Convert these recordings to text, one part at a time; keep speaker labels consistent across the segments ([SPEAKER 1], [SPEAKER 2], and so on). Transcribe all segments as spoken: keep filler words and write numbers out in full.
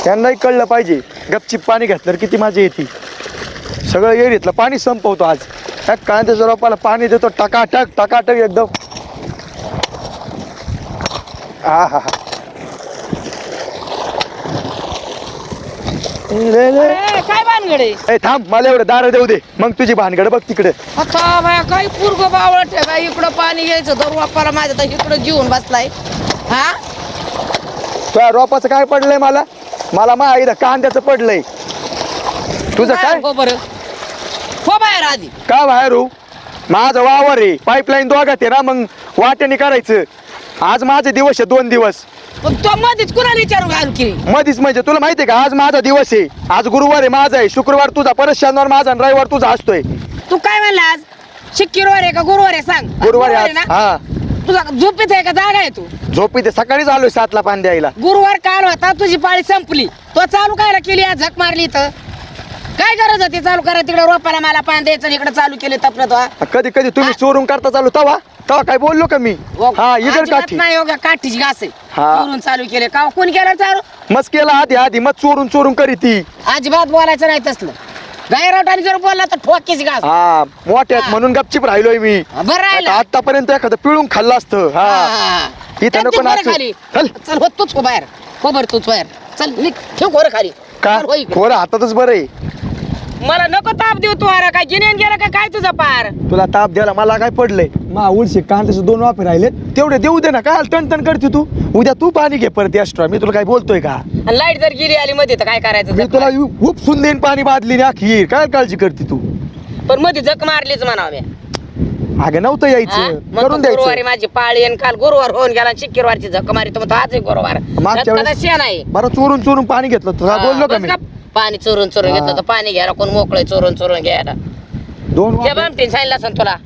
[SPEAKER 1] त्यांनाही कळलं पाहिजे गपचिप पाणी घेतलं किती माझी येते. सगळं येरीतलं पाणी संपवतो आज. त्या कांद्याच्या रोपाला पाणी देतो टकाटक टकाटक एकदम. हा हा हा
[SPEAKER 2] काय भानगडे?
[SPEAKER 1] ए थांब, मला एवढं दार देऊ दे, मग तुझी भानगड बघ तिकडे.
[SPEAKER 2] आता बाया काय पूर्ग बावळ ठेवा, इकडं पाणी घ्यायचं तर वापाला माझ्या तर इकडं जीवन बसलाय. हा
[SPEAKER 1] तुझ्या रोपाचं काय पडलंय? मला मला मा इथं कांद्याचं पडलंय. तुझं काय?
[SPEAKER 2] हो बरं हो बाहेर आधी
[SPEAKER 1] का बाहेर हो? माझं वावर आहे, पाईपलाईन दोघात आहे ना, मग वाट्याने करायचं. आज माझे दिवस आहे, दोन दिवस.
[SPEAKER 2] पण तो मध्येच कुणाला विचारू घाल की
[SPEAKER 1] मधीच म्हणजे तुला माहितीये का, आज माझा दिवस आहे. आज गुरुवार आहे माझा आहे, शुक्रवार तुझा, परत शनिवार माझा आणि रविवार तुझा असतोय.
[SPEAKER 2] तू काय म्हणला आज? शुक्रवार आहे का गुरुवार आहे सांग?
[SPEAKER 1] गुरुवार आहे
[SPEAKER 2] आहे
[SPEAKER 1] आज.
[SPEAKER 2] ना?
[SPEAKER 1] हा
[SPEAKER 2] तुझा झोपेत आहे का जागा आहे? तू
[SPEAKER 1] झोपी ते सकाळीच आलोय सातला पाणी द्यायला.
[SPEAKER 2] गुरुवार काल होता, तुझी पाळी संपली, तो चालू कायला केली आज झक मारली तर? काय गरज होती चालू करा? तिकडे रोपाला मला पाणी द्यायचं, इकडे चालू केले तपलं तो.
[SPEAKER 1] कधी कधी तुम्ही चोरून करता चालू तवा तवा काय बोललो का मी? हा इकडे
[SPEAKER 2] अजिबात
[SPEAKER 1] काठी
[SPEAKER 2] नाही हो, काठीची घास आहे.
[SPEAKER 1] हा.
[SPEAKER 2] चोरून चालू केले का? कोण केलं चालू?
[SPEAKER 1] मस्त केला आधी आधी मग चोरून चोरून करी ती.
[SPEAKER 2] अजिबात बोलायचं नाही तसलं. गायरावटाने जर बोलला तर ठोकीची घास.
[SPEAKER 1] हा मोठ्यात
[SPEAKER 2] हा.
[SPEAKER 1] म्हणून गपचिप राहिलोय मी.
[SPEAKER 2] बरं राहिलं.
[SPEAKER 1] आतापर्यंत एखादं पिळून खाल्लं असतं. हा
[SPEAKER 2] हा.
[SPEAKER 1] इथं
[SPEAKER 2] त्यांची
[SPEAKER 1] नको
[SPEAKER 2] बरं
[SPEAKER 1] नाचू.
[SPEAKER 2] खाली.
[SPEAKER 1] चल
[SPEAKER 2] चल हो तूच हो बाहेर, हो बरं तूच बाहेर चल, निघ, ठेव खोरं खाली.
[SPEAKER 1] का
[SPEAKER 2] चल, हो इकडे.
[SPEAKER 1] खोरं हातातच बरं आहे.
[SPEAKER 2] मला नको ताप देऊ तू. अरे काय गिन्यान गेला का काय तुझा पार?
[SPEAKER 1] तुला ताप द्यायला मला काय पडलंय? मा उलशी कांद्याचे दोन वाफे राहिले तेवढे देऊ दे ना. काय टन टन करते तू? उद्या तू पाणी घे परत एक्स्ट्रा. मी तुला काय बोलतोय का?
[SPEAKER 2] लाईट जर गेली आली मध्ये तर काय करायचं?
[SPEAKER 1] मी
[SPEAKER 2] जख
[SPEAKER 1] तुला
[SPEAKER 2] मार.
[SPEAKER 1] उपसून देईन पाणी बादली अखीर. काय काळजी करते तू?
[SPEAKER 2] पण मध्ये जक मारलीच म्हणावं मी.
[SPEAKER 1] अगं नव्हतं
[SPEAKER 2] हा?
[SPEAKER 1] यायचं,
[SPEAKER 2] मग
[SPEAKER 1] करून
[SPEAKER 2] तो गुरुवारी
[SPEAKER 1] द्यायचं.
[SPEAKER 2] माझी पाळी आणि काल गुरुवार होऊन गेला आणि शुक्रवारची झक मारी तर मग तो आजही गुरुवार.
[SPEAKER 1] मागच्या
[SPEAKER 2] त्यात
[SPEAKER 1] वेळेस-
[SPEAKER 2] शेण आहे.
[SPEAKER 1] बरं चोरून चोरून पाणी घेतलं तुला बोललो का
[SPEAKER 2] बस
[SPEAKER 1] मी?
[SPEAKER 2] का? पाणी चोरून चोरून
[SPEAKER 1] हा.
[SPEAKER 2] घेतलं तर पाणी घ्यायला कोण मोकळे चोरून चोरून घ्यायला?
[SPEAKER 1] दोन
[SPEAKER 2] त्या
[SPEAKER 1] वाफे-
[SPEAKER 2] बामटीने सांगितलं असं तुला.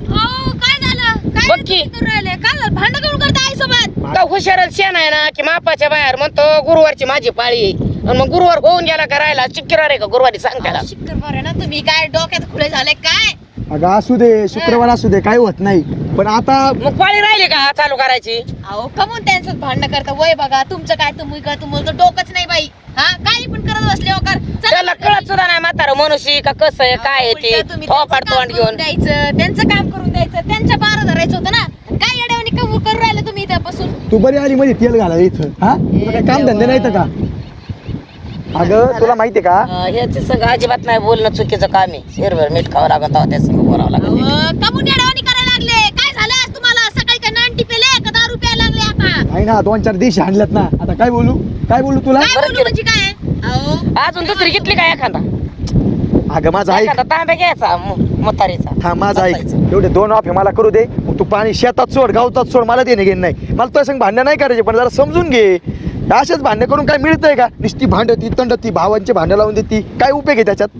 [SPEAKER 3] काय झालं? काय
[SPEAKER 2] बघ की.
[SPEAKER 3] करू राहिले? काय झालं? भांडण करून करता आई सोबत?
[SPEAKER 2] का हुशार शेण आहे ना की मापाच्या बाहेर म्हणतो गुरुवारची माझी पाळी आहे. आणि मग गुरुवार होऊन गेला का राहिला? शुक्रवार आहे का गुरुवारी सांग त्याला.
[SPEAKER 3] शुक्रवार आहे ना, तुम्ही काय डोक्यात खुले झाले काय?
[SPEAKER 1] अगं असू दे, शुक्रवार असू दे, काही होत नाही. पण आता
[SPEAKER 2] मग पाळी राहिली का चालू करायची?
[SPEAKER 3] अहो कमून त्यांचं भांडण करता? वय बघा तुमचं काय, तुम्ही का तुम्हाला तर डोकंच नाही बाई. हा काही पण करत बसले हो कर. चला
[SPEAKER 2] त्याला कळत सुद्धा नाही म्हातारं मनुष्य का कसं आहे काय आहे ते.
[SPEAKER 3] तुम्ही
[SPEAKER 2] थोपाड
[SPEAKER 3] त्यांचं काम
[SPEAKER 2] तोंड
[SPEAKER 3] करून
[SPEAKER 2] घेऊन
[SPEAKER 3] द्यायचं, त्यांचं काम करून द्यायचं, त्यांच्या बारा धरायचं होतं ना. काय येड्यावानी कमू करून राहिले तुम्ही इथं बसून?
[SPEAKER 1] तू बरी आली मध्ये तेल घालायला इथं. हा तुला काय काम धंदे नाहीत का? अगं तुला माहितीये का,
[SPEAKER 2] ह्याच संग अजिबात नाही बोलणं चुकीचं काम आहे. शेरभर मीठ खावं लागत त्या संग बोलावं लागत.
[SPEAKER 3] अहो, कमून येड्यावानी करायला लागले? काय झालं आज तुम्हाला? सकाळी काय नांटी पेले का दारू प्यायला लागले आता?
[SPEAKER 1] आहे ना दोन चार दिवशी आणल्यात ना. आता काय बोलू काय बोलू तुला?
[SPEAKER 3] काय
[SPEAKER 2] बरं
[SPEAKER 3] बोलू
[SPEAKER 2] केलं.
[SPEAKER 3] म्हणजे काय? अहो
[SPEAKER 2] अजून दुसरी घेतली का एखादा?
[SPEAKER 1] अगं माझा ऐक,
[SPEAKER 2] एखादा तांब्या घ्यायचा मु- म्हातारीचा.
[SPEAKER 1] हा माझा ऐक,
[SPEAKER 2] बसायचं.
[SPEAKER 1] एवढे दोन वाफे मला करू दे. मग तू पाणी शेतात सोड, गावतात सोड, मला देणे घेणे नाही. मला तुझ्या संग भांडण नाही करायचे, पण जरा समजून घे. असेच भांडण करून काय मिळतंय का? नुसती भांडती तंडती, भावांचे भांडण लावून देती, काय उपयोग आहे त्याच्यात?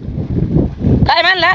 [SPEAKER 2] काय म्हणला?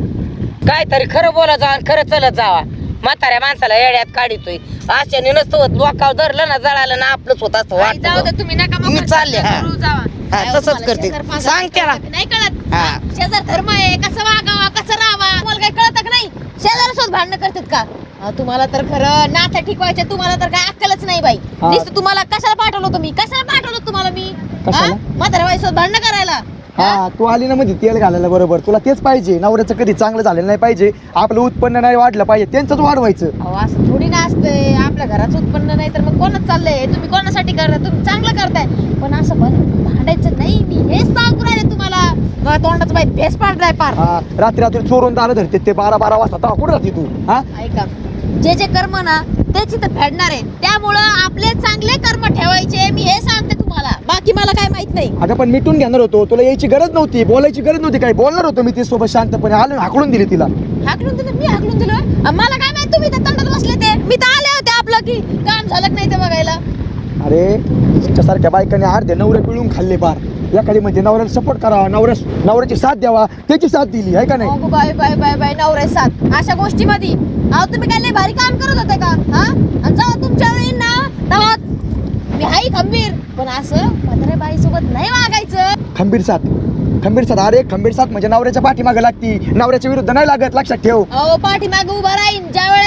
[SPEAKER 2] काय तरी खरं बोला जावा आणि खरं चलत जावा. म्हाताऱ्या माणसाला येड्यात काढितोय. अशाने नसतं होत. लोकाव धरलं ना जळालं ना आपलंच होत असतं.
[SPEAKER 3] आई, जाऊ दे
[SPEAKER 2] वाटतं
[SPEAKER 3] तुम्ही नका
[SPEAKER 2] मी
[SPEAKER 3] मग
[SPEAKER 2] चालले, हा.
[SPEAKER 3] करू जावा.
[SPEAKER 2] हा,
[SPEAKER 3] काय
[SPEAKER 2] तसंच
[SPEAKER 3] तुम्हाला
[SPEAKER 2] करते.
[SPEAKER 3] शेजार पाजार
[SPEAKER 2] सांग त्याला.
[SPEAKER 3] नाही कळत?
[SPEAKER 2] हा.
[SPEAKER 3] शेजार धर्म आहे, कसं वागावा कसं राहावा तुम्हाला काही कळत का नाही? शेजारासोबत भांडणं करतात का? अहो, तुम्हाला तर खरं नातं ठिकवायचे, तुम्हाला तर काय अक्कलच नाही बाई.
[SPEAKER 1] हा.
[SPEAKER 3] नुसतं तुम्हाला कशाला पाठवलं तुम्ही? कशाला पाठवलं तुम्हाला मी?
[SPEAKER 1] कशाला?
[SPEAKER 3] म्हाताऱ्या बाईसोबत भांडणं करायला?
[SPEAKER 1] हा तू आली ना मध्ये तेल घालायला, बरोबर. तुला तेच पाहिजे. नवऱ्याचं कधी चांगलं झालेलं नाही पाहिजे, आपलं उत्पन्न नाही वाढलं पाहिजे, त्यांचंच वाढवायचं.
[SPEAKER 3] अहो असं थोडी ना असतंय. आपल्या घराचं उत्पन्न नाही तर मग कोणच चाललंय? तुम्ही कोणासाठी करताय? तुम्ही चांगलं करताय, पण असं बन- भांडायचं नाही. मी हेच सांगू राहिले तुम्हाला. मला तोंडाचं बाई भेस पाडलाय पार.
[SPEAKER 1] हा रात्री रात्री चोरून दारं धरते ते बारा बारा वाजता. तेव्हा कुठं राहते तू? हा
[SPEAKER 3] ऐका, जे जे कर्म ना तेच इथं फेडणार आहे. त्यामुळं आपले चांगले कर्म ठेवायचे, मी हे सांगते तुम्हाला. बाकी मला काय माहित नाही.
[SPEAKER 1] अगं पण मिटून घेणार होतो, तुला यायची गरज नव्हती, बोलायची गरज नव्हती. काय बोलणार होतो मी तिच्यासोबत शांतपणे. आलो हाकलून दिली तिला.
[SPEAKER 3] हाकलून दिलं? मी हाकलून दिलं? अं, मला काय माहित तुम्ही त्या तंडात बसले ते? मी तर आले होते आपलं की काम झालं का नाही ते बघायला.
[SPEAKER 1] अरे तुमच्यासारख्या बायकाने अर्धे नवरे पिळून खाल्ले पार. एखादी म्हणजे नवऱ्याला सपोर्ट करावा, नवऱ्या नवऱ्याची साथ द्यावा, त्याची साथ दिली आहे का नाही?
[SPEAKER 3] अगो बाय बाय बाय बाय नवरे साथ अशा गोष्टीमध्ये. अहो तुम्ही काय लय भारी काम करत होते का? हा आणि जेव्हा तुमच्या वेळी ना तेव्हा मी हाई खंबीर, पण असं म्हाताऱ्या बाईसोबत नाही वागायचं.
[SPEAKER 1] खंबीर साथ, खंबीर साथ. अरे खंबीर साथ म्हणजे नवऱ्याच्या पाठीमागे लागती, नवऱ्याच्या विरुद्ध नाही लागत, लक्षात ठेव.
[SPEAKER 3] अहो पाठीमागे उभा राहीन ज्या वेळेस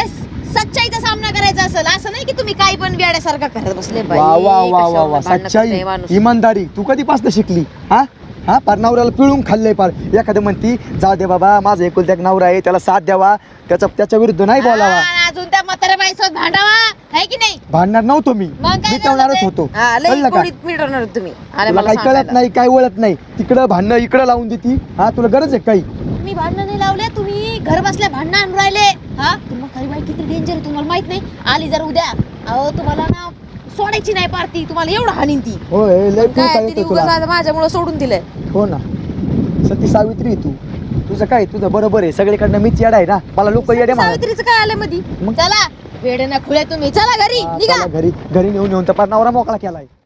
[SPEAKER 3] सच्चाईचा सामना करायचा असेल, असं नाही की तुम्ही काही पण वेड्यासारखा करत बसले बाई.
[SPEAKER 1] वा वा वा वा
[SPEAKER 3] कशावर
[SPEAKER 1] वा
[SPEAKER 3] भांडणं
[SPEAKER 1] सच्चाई
[SPEAKER 3] करतोय माणूस.
[SPEAKER 1] इमानदारी तू कधीपासून शिकली हा हा पार नवऱ्याला पिळून खाल्लंय पार. एखादं म्हणती जाऊ दे बाबा माझा एकुलता एक नवरा आहे त्याला साथ द्यावा, त्याचा त्याच्या विरुद्ध नाही बोलावा.
[SPEAKER 3] हा, अजून त्या म्हाताऱ्या बाईसोबत भांडावा आहे की नाही?
[SPEAKER 1] भांडणार नव्हतो मी,
[SPEAKER 3] मग काय
[SPEAKER 1] मिटवणारच
[SPEAKER 3] झालं
[SPEAKER 1] होतो.
[SPEAKER 3] ते? हा, लई
[SPEAKER 1] कळलं का?
[SPEAKER 3] गोडीत मिटवणार तुम्ही. अरे
[SPEAKER 1] तुला
[SPEAKER 3] मला
[SPEAKER 1] काही कळत
[SPEAKER 3] सांगायला.
[SPEAKER 1] नाही, काय ओळख नाही, तिकडं भांडणं इकडं लावून देती. हा तुला गरज आहे काही?
[SPEAKER 3] तुम्ही भांडणं नाही लावले, तुम्ही घर बसल्या भांडणं आणून राहिले. हा तुम्हाला काही बाई किती डेंजर आहे तुम्हाला माहित नाही. आली जर उद्या, अहो तुम्हाला ना सोडायची नाही पारती, तुम्हाला एवढं हानीन ती.
[SPEAKER 1] होय लय
[SPEAKER 3] काय
[SPEAKER 1] काय
[SPEAKER 3] तिने
[SPEAKER 1] येतं तुला.
[SPEAKER 3] उगाच माझ्यामुळे सोडून दिलंय.
[SPEAKER 1] हो ना सती सावित्री आहे तू. तुझं काय तुझं बरोबर आहे, सगळीकडनं मीच येडा आहे ना, मला लोक येडे म्हणतात.
[SPEAKER 3] सावित्रीचं काय आलं मधी?
[SPEAKER 1] मग?
[SPEAKER 3] चला वेडे ना खुले तुम्ही, चला घरी
[SPEAKER 1] हा,
[SPEAKER 3] निघा.
[SPEAKER 1] चला घरी घरी नेऊन नेऊन तर पार नवरा मोकळा केलाय.